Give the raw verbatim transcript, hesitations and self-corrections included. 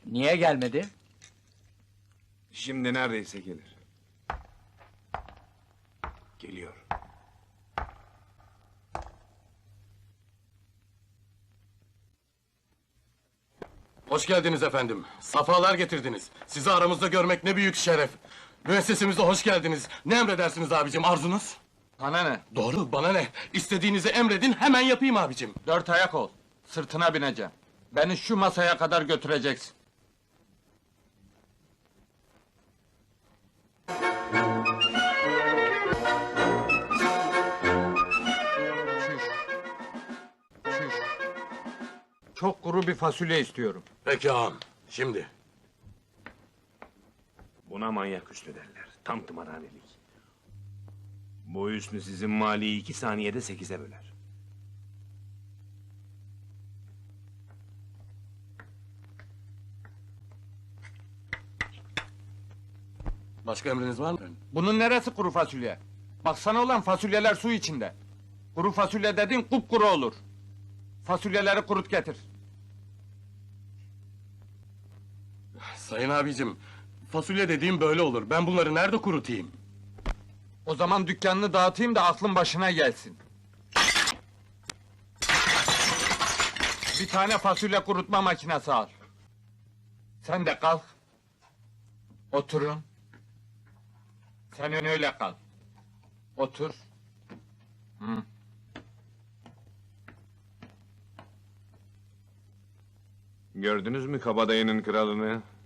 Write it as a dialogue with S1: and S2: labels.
S1: Niye gelmedi?
S2: Şimdi neredeyse gelir. Geliyor.
S3: Hoş geldiniz efendim. Safalar getirdiniz. Sizi aramızda görmek ne büyük şeref. Müessesemize hoş geldiniz. Ne emredersiniz abicim, arzunuz?
S4: Sana ne?
S3: Doğru, bana ne? İstediğinizi emredin, hemen yapayım abicim.
S4: Dört ayak ol. Sırtına bineceğim. Beni şu masaya kadar götüreceksin. Çüş. Çüş. Çok kuru bir fasulye istiyorum.
S3: Peki ağam, şimdi.
S2: Buna manyak Hüsnü derler. Tam tımarhanelik. Bu Hüsnü sizin maliyi iki saniyede sekize böler.
S3: Başka emriniz var mı?
S4: Bunun neresi kuru fasulye? Baksana olan fasulyeler su içinde. Kuru fasulye dediğin kupkuru olur. Fasulyeleri kurut getir.
S3: Sayın abicim, fasulye dediğim böyle olur. Ben bunları nerede kurutayım?
S4: O zaman dükkanını dağıtayım da aklın başına gelsin. Bir tane fasulye kurutma makinesi al. Sen de kalk. Oturun. Sen öyle kal. Otur. Hı.
S2: Gördünüz mü kabadayının kralını?